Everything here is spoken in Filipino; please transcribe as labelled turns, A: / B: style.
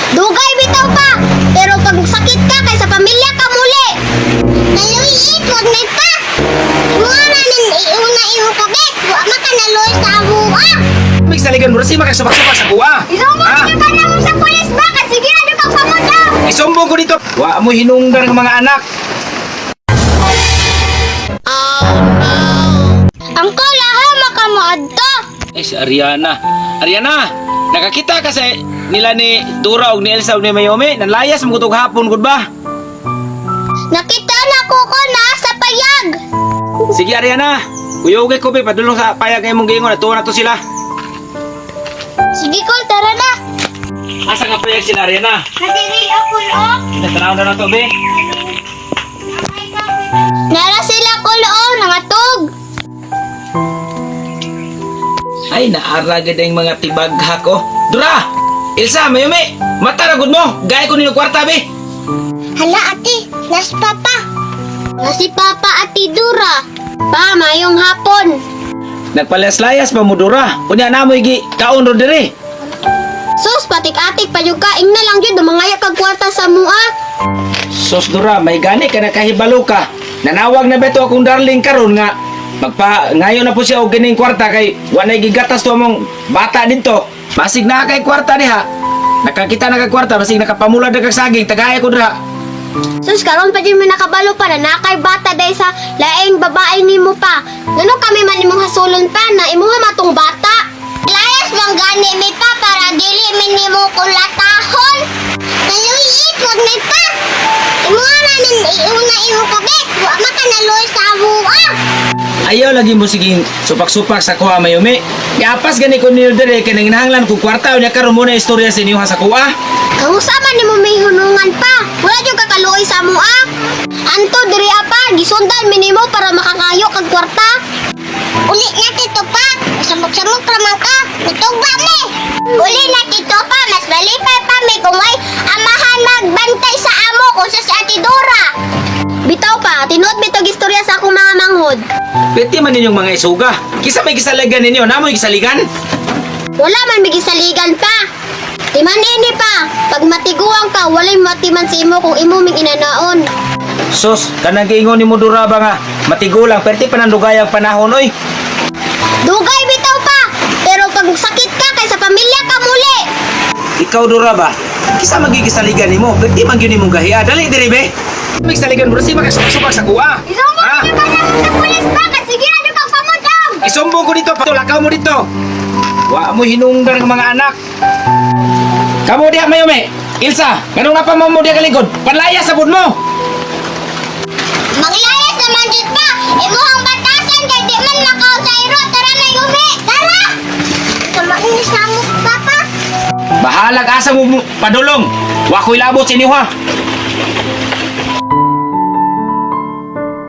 A: Dugay bitaw pa. Pero pag sakit ka kay sa pamilya ka muli. Naluiit, wag may pa. Mga namin iuna imo kabit. Wa makanaluoy sa amuha.
B: May saligan mo rin siya makasubak-subak sa kuha.
A: Isumbong ka na mo sa pulis ba? Kasi ginado kang pamudaw.
B: Isumbong ko dito. Wa mo hinungdan ng mga anak.
A: Angkol, aha makamuadto.
B: Si Ariana. Ariana, nakakita kasi nila ni Dura o ni Elsa o ni Mayome. Nanlayas mo kutog hapon, good ba?
A: Nakita na ko na sa payag.
B: Sige Ariana, kuyogay ko be, padulong sa payag ay mong gingon. Natuwa na to sila.
A: Sige kol, tara na.
B: Asa nga payag sila Ariana?
A: Nadiri ako lo.
B: Natanaw na to be.
A: Nara sila kol nangatog.
B: Ay, naaragad ang mga tibagha ko. Dura! Elsa, Mayome! Mataragod mo! Gaya ko nino kwarta, be!
A: Hala ate, nas papa. Nasi papa ati Dura. Pa, mayong hapon.
B: Nagpalayas-layas pa mo, Dura. Unya na mo igi kaon ro diri.
A: Sus, patik-atik pa yung kaing na lang yun. Dumangaya kag kwarta sa mua.
B: Sos, Dura, may gani ka na kahibalo ka. Nanawag na beto akong darling karon nga. Ngayon na po siya og gining kwarta kay wanay gigatas to among bata dito. Basig na kay kwarta diha. Nakakita na kay kwarta, basig nakapamula na kag saging, tagaya ko dira.
A: Sus, karon pa din may nakabalo pa na nakay bata day sa laing babae nimo pa. Ngano kami man imong hasulon pa na imuha matong bata? Layas mong gani mi pa para dili min nimo kulatahon. Naluiit wag mi pa. Imuha namin iuna imo kabit. Wa makanaluoy sa amuha.
B: Ayaw lagi mo siging supak-supak sa kuha Mayumi. Iapas gani ko niyo dire kay nanginahanglan ko kwarta unya karon mo na istorya sa inyo ha sa kuha.
A: Kamusta man nimo may hunungan pa? Wala jud kakaluoy sa amuha. Anto diri apa gisundan mi nimo para makakayo kag kwarta. Uli na tito pa. Samok-samok raman ka. Natugba mi. Uli na tito pa. Mas malipay pa mi kung ay amahan magbantay sa amo ko sa si Ate Dora. Bitaw pa, tinuod bitog istorya sa akong mga manghod.
B: Pwede man ninyong mga isuga. Kisa may gisaligan ninyo, namoy gisaligan?
A: Wala man bigisaligan pa. Timan ini pa. Pag matiguang ka, walay matiman si imo kung imo ming inanaon.
B: Sus, kanang giingon ni mo Dura ba nga matigulang perti pa nang dugay ang panahon oy.
A: Dugay bitaw pa. Pero pag sakit ka kay sa pamilya ka muli.
B: Ikaw Dura ba? Kisa magigisaligan nimo, perti man gyud nimong gahiya. Dali diri be. May saligan mo si makasubak sa kuha.
A: Isumbong ka na mo sa pulis ba? Kasi ginado kang pamudang.
B: Isumbong ko dito, patulakaw mo dito. Wa mo hinungdan ng mga anak. Kamu diha Mayome. Ilsa, ganun na pa mo diha kaligod. Panlaya sa bud mo.
A: Manglayas naman dito pa. Imuhang batasan kay di man makaw sa iro. Tara na Yumi. Tara. Kamainis na mo, Papa.
B: Bahalag asa mo padulong. Wa ko'y labot sa inyo ha.